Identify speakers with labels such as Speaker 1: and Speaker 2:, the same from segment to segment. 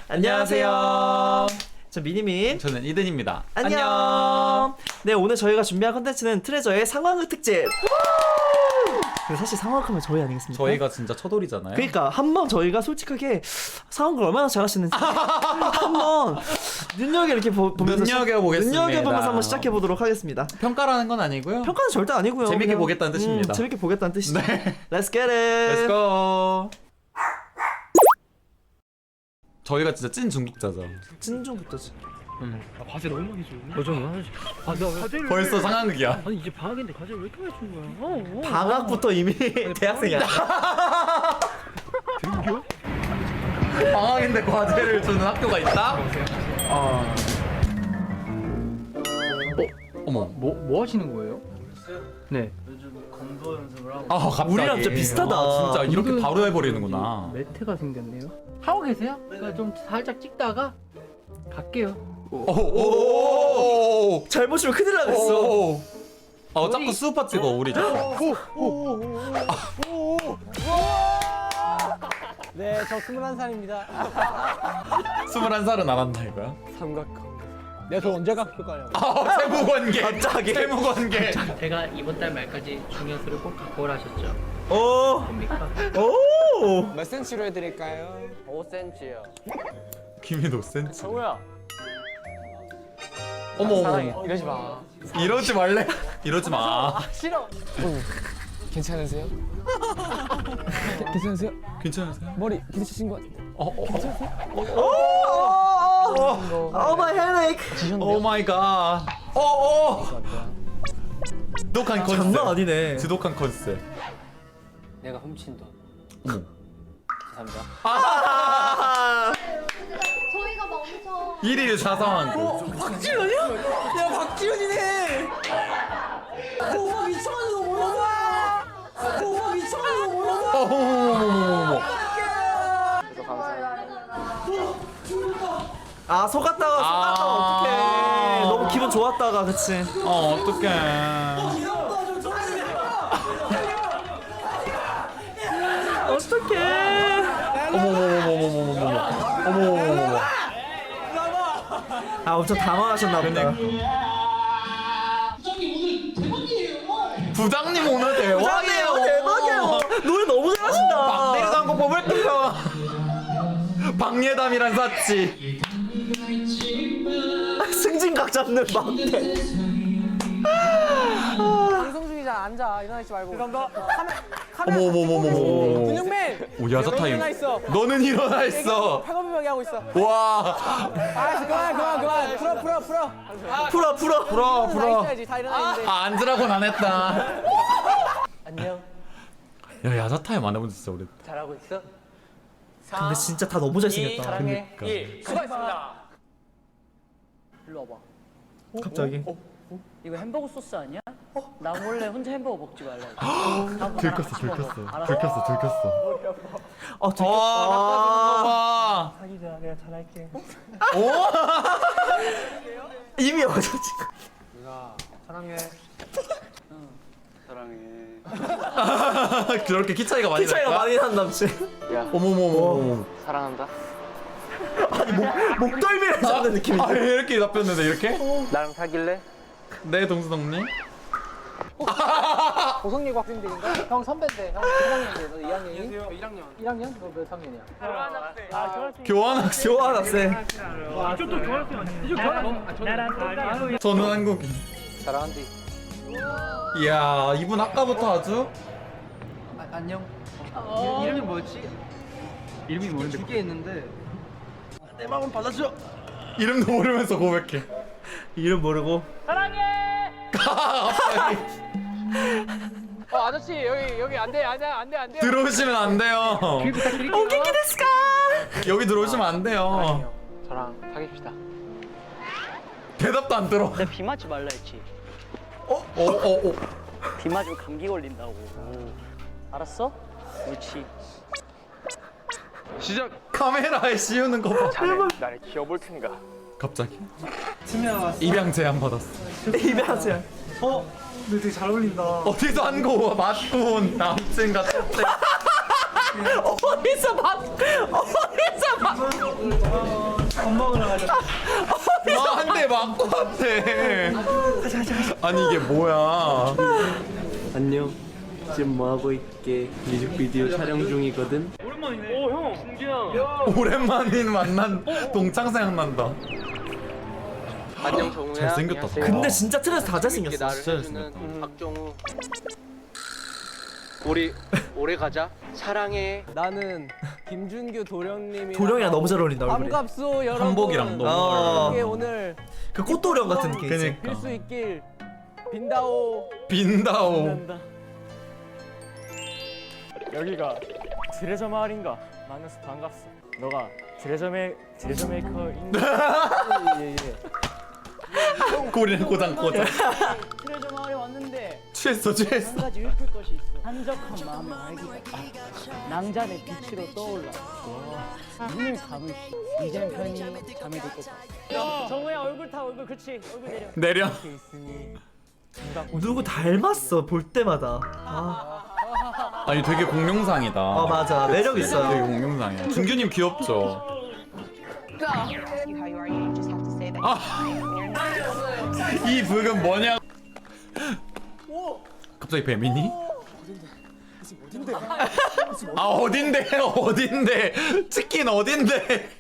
Speaker 1: 안녕하세요. 저 미니민.
Speaker 2: 저는 이든입니다.
Speaker 1: 안녕. 네, 오늘 저희가 준비한 컨텐츠는 트레저의 상황극 특집. 근데 사실 상황극하면 저희 아니겠습니까?
Speaker 2: 저희가 진짜 첫돌이잖아요.
Speaker 1: 그러니까 한번 저희가 솔직하게 상황극을 얼마나 잘하시는지 한번 이렇게 보면서
Speaker 2: 눈여겨보겠습니다.
Speaker 1: 눈여겨보면서 한번 시작해 보도록 하겠습니다.
Speaker 2: 평가라는 건 아니고요.
Speaker 1: 평가는 절대 아니고요.
Speaker 2: 재밌게
Speaker 1: 그냥,
Speaker 2: 보겠다는 뜻입니다.
Speaker 1: 재밌게 보겠다는 뜻이죠.
Speaker 2: 네.
Speaker 1: Let's get it.
Speaker 2: Let's go. 저희가 진짜 찐 중독자죠.
Speaker 1: 찐중부터지.
Speaker 3: 과제 너무 많이 주는데? 과제를
Speaker 2: 벌써 상황극이야.
Speaker 3: 아니 이제 방학인데 과제를 왜 이렇게 많이 주는 거야?
Speaker 1: 방학부터 이미 대학생이야.
Speaker 3: 등교?
Speaker 2: 방학인데 과제를 주는 학교가 있다? 어머.
Speaker 3: 뭐 하시는 거예요? 네.
Speaker 2: 아 갑자기.
Speaker 1: 우리랑 진짜 비슷하다.
Speaker 2: 진짜 이렇게 바로 해버리는구나.
Speaker 3: 매트가 생겼네요. 하고 계세요? 제가 좀 살짝 찍다가 갈게요.
Speaker 2: 오오오오오.
Speaker 1: 잘 보시면 큰일 나겠어.
Speaker 2: 자꾸 수우파 찍어 우리 자꾸.
Speaker 4: 네, 저 21살입니다.
Speaker 2: 21살은 안 한다 이거야?
Speaker 4: 삼각형. 내가 저 언제 갈까요?
Speaker 2: 세무관계.
Speaker 1: 갑자기.
Speaker 2: 세무관계.
Speaker 3: 제가 이번 달 말까지 중요수를 꼭 갖고 오라 하셨죠?
Speaker 1: 오.
Speaker 3: 뭡니까?
Speaker 1: 오.
Speaker 4: 몇 cm로 해드릴까요? 5cm요.
Speaker 2: 김이 5cm.
Speaker 4: 정우야.
Speaker 2: 어머.
Speaker 4: 이러지 마.
Speaker 2: 이러지 말래. 이러지 마.
Speaker 4: 싫어. 괜찮으세요? 괜찮으세요?
Speaker 2: 괜찮으세요?
Speaker 4: 머리 부딪히신 것 같은데.
Speaker 1: 오 마이 헤데이크.
Speaker 2: 오 마이 갓. 지독한 컨셉.
Speaker 1: 장난 아니네.
Speaker 2: 지독한 컨셉.
Speaker 4: 내가 훔친 돈.
Speaker 2: 어머.
Speaker 4: 감사합니다.
Speaker 5: 저희가 막 엄청
Speaker 2: 1일 사상한 거.
Speaker 1: 박지훈이야? 야 박지훈이네. 오빠 미쳐가지고 너 몰라. 오빠 미쳐가지고 몰라.
Speaker 2: 어머머머머머머.
Speaker 1: 아 속았다가 어떡해. 너무 기분 좋았다가 그치.
Speaker 2: 어떡해.
Speaker 1: 어떡해.
Speaker 2: 어머머머머머머머머. 어머머머머.
Speaker 1: 아 엄청 당황하셨나 보다.
Speaker 2: 부장님 오늘 대박이에요.
Speaker 1: 대박이에요. 노래 너무 잘하신다.
Speaker 2: 막내리도 한곡 뽑을게요. 박예담이란 사치.
Speaker 1: 승진각 잡는 막대.
Speaker 4: 방송 중이잖아. 앉아. 일어나지 말고. 죄송합니다.
Speaker 2: 어머머머머머머.
Speaker 4: 근육맨.
Speaker 2: 오 야자 타임.
Speaker 4: 일어나 있어.
Speaker 2: 너는 일어나 있어.
Speaker 4: 팔굽혀펴기 하고 있어.
Speaker 2: 와.
Speaker 4: 알았어. 그만. 풀어.
Speaker 2: 풀어.
Speaker 4: 있어야지. 다 일어나 있는데.
Speaker 2: 앉으라고는 안 했다.
Speaker 4: 안녕.
Speaker 2: 야 야자 타임 안 해본 지 진짜 오래.
Speaker 4: 잘하고 있어?
Speaker 1: 근데 진짜 다 너무 잘생겼다.
Speaker 4: 사랑해.
Speaker 2: 그러니까.
Speaker 4: 1. 수고하셨습니다. 일로 와봐.
Speaker 1: 갑자기.
Speaker 6: 이거 햄버거 소스 아니야? 나 몰래 혼자 햄버거 먹지 말라.
Speaker 2: 들켰어.
Speaker 1: 아 되게.
Speaker 2: 와.
Speaker 4: 자기들아, 내가 잘할게.
Speaker 1: 이미 어저 지금.
Speaker 4: 누나, 사랑해.
Speaker 2: 그렇게 키 차이가 많이
Speaker 1: 키 차이가
Speaker 2: 날까?
Speaker 1: 많이 난 남친.
Speaker 2: 어머머머머.
Speaker 4: 사랑한다.
Speaker 1: 목덜미를 잡는 느낌이.
Speaker 2: 아 이렇게 답변했는데 이렇게?
Speaker 4: 나랑 사귈래?
Speaker 2: 네 동수동님.
Speaker 4: 고성예고 학생들인가? 형 선배인데. 형 1학년인데. 너 2학년이? 안녕하세요. 1학년. 1학년? 너 몇 학년이야?
Speaker 2: 교환학생.
Speaker 1: 교환학생.
Speaker 2: 저는 한국인.
Speaker 4: 사랑한디.
Speaker 2: 이야 이분 아까부터 아주.
Speaker 3: 안녕. 이름이 뭐였지? 이름이 뭐였는데? 두개 있는데.
Speaker 1: 내 마음은 받아줘.
Speaker 2: 이름도 모르면서 고백해.
Speaker 1: 이름 모르고.
Speaker 2: 갑자기.
Speaker 4: 아저씨 여기 안 돼.
Speaker 2: 들어오시면 안 돼요.
Speaker 1: 오겐키 데스까?
Speaker 2: 여기 들어오시면 안 돼요.
Speaker 4: 저랑 사귀읍시다.
Speaker 2: 대답도 안 들어.
Speaker 6: 내가 비 맞지 말라 했지.
Speaker 2: 어.
Speaker 6: 비 맞으면 감기 걸린다고. 알았어? 옳지.
Speaker 2: 카메라에 씌우는 거 봐.
Speaker 4: 나를 키워볼 테니까.
Speaker 2: 갑자기. 입양 제안 받았어.
Speaker 1: 입양하세요.
Speaker 3: 근데 되게 잘 어울린다.
Speaker 2: 어디서 한 거 맞고 온 남친 같은데.
Speaker 1: 어디서 봤? 밥 먹으러 가자.
Speaker 2: 한 대 맞고 왔대. 아니 이게 뭐야?
Speaker 1: 안녕. 지금 뭐 하고 있게? 뮤직비디오 촬영 중이거든.
Speaker 2: 오랜만인 만난 동창 생각난다.
Speaker 4: 안녕 정우야.
Speaker 2: 잘생겼다.
Speaker 1: 근데 진짜 트레저 다
Speaker 4: 이렇게
Speaker 1: 잘생겼어.
Speaker 4: 나를 해주는 박정우. 우리 오래 가자. 사랑해.
Speaker 7: 나는 김준규 도령님이
Speaker 1: 도령이랑 너무 잘 어울린다 얼굴이.
Speaker 7: 반갑소 여러분.
Speaker 2: 한복이랑 너무
Speaker 1: 어.
Speaker 7: 이게 오늘
Speaker 1: 그 꽃도령 같은 느낌.
Speaker 2: 그니까.
Speaker 7: 빌 수 있길 빈다오.
Speaker 2: 빈다오.
Speaker 8: 여기가 트레저 마을인가? 만나서 반갑소. 너가 트레저 메이커인
Speaker 2: 고리는 고장.
Speaker 8: 트레저 마을에 왔는데
Speaker 2: 취했어.
Speaker 8: 한 가지 읊을 것이 있어. 한적한 마음의 활기가 낭잔의 빛으로 떠올라. 눈을 감으시. 이젠 편히 잠이 들 것 같아. 정우야 얼굴 타 얼굴 그렇지 얼굴 내려.
Speaker 2: 내려.
Speaker 8: 이렇게 있으니
Speaker 1: 누구 닮았어 볼 때마다. 아,
Speaker 2: 아니 되게 공룡상이다.
Speaker 1: 맞아 매력
Speaker 2: 되게
Speaker 1: 있어요.
Speaker 2: 공룡상이야. 준규님 귀엽죠? 이 북은 뭐냐? 갑자기 뱀이니? 아 어딘데? 치킨 어딘데?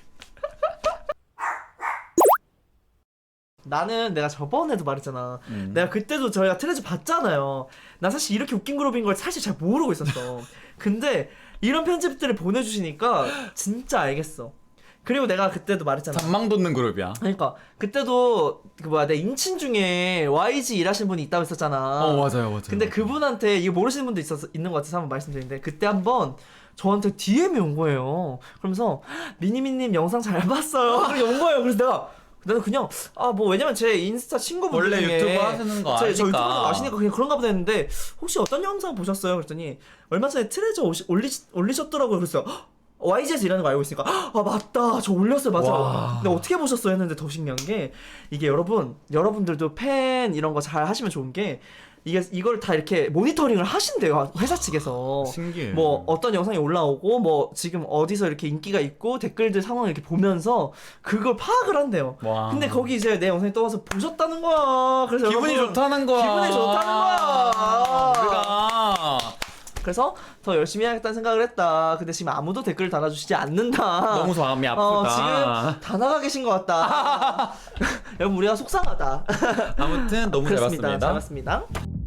Speaker 1: 나는 내가 저번에도 말했잖아. 내가 그때도 저희가 트레저 봤잖아요. 나 사실 이렇게 웃긴 그룹인 걸 사실 잘 모르고 있었어. 근데 이런 편집들을 보내주시니까 진짜 알겠어. 그리고 내가 그때도 말했잖아.
Speaker 2: 잔망 돋는 그룹이야.
Speaker 1: 그러니까 그때도 그 뭐야 내 인친 중에 YG 일하신 분이 있다고 했었잖아.
Speaker 2: 맞아요.
Speaker 1: 근데 그분한테 이거 모르시는 분도 있는 것 같아서 한번 말씀드리는데 그때 한번 저한테 DM이 온 거예요. 그러면서 미니미님 영상 잘 봤어요. 그렇게 온 거예요. 그래서 나는 그냥 뭐 왜냐면 제 인스타 친구분
Speaker 2: 원래
Speaker 1: 중에
Speaker 2: 유튜브 하시는 거
Speaker 1: 저
Speaker 2: 아니까.
Speaker 1: 유튜브 아시니까 그냥 그런가 보다 했는데 혹시 어떤 영상 보셨어요? 그랬더니 얼마 전에 트레저 올리셨더라고요. 그래서 YG에서 일하는 거 알고 있으니까 맞다 저 올렸어요 맞아.
Speaker 2: 와.
Speaker 1: 근데 어떻게 보셨어요 했는데 더 신기한 게 이게 여러분들도 팬 이런 거 잘 하시면 좋은 게 이걸 다 이렇게 모니터링을 하신대요 회사 측에서.
Speaker 2: 신기해.
Speaker 1: 뭐 어떤 영상이 올라오고 뭐 지금 어디서 이렇게 인기가 있고 댓글들 상황을 이렇게 보면서 그걸 파악을 한대요.
Speaker 2: 와.
Speaker 1: 근데 거기 이제 내 영상이 떠와서 보셨다는 거야. 그래서
Speaker 2: 기분이
Speaker 1: 여러분,
Speaker 2: 좋다는 거야.
Speaker 1: 기분이 좋다는 거야.
Speaker 2: 우리가
Speaker 1: 그래서 더 열심히 해야겠다는 생각을 했다. 근데 지금 아무도 댓글을 달아주시지 않는다.
Speaker 2: 너무 마음이 아프다.
Speaker 1: 지금 다 나가 계신 것 같다. 여러분 우리가 속상하다.
Speaker 2: 아무튼 너무 잘
Speaker 1: 그렇습니다.
Speaker 2: 봤습니다.
Speaker 1: 잘 봤습니다.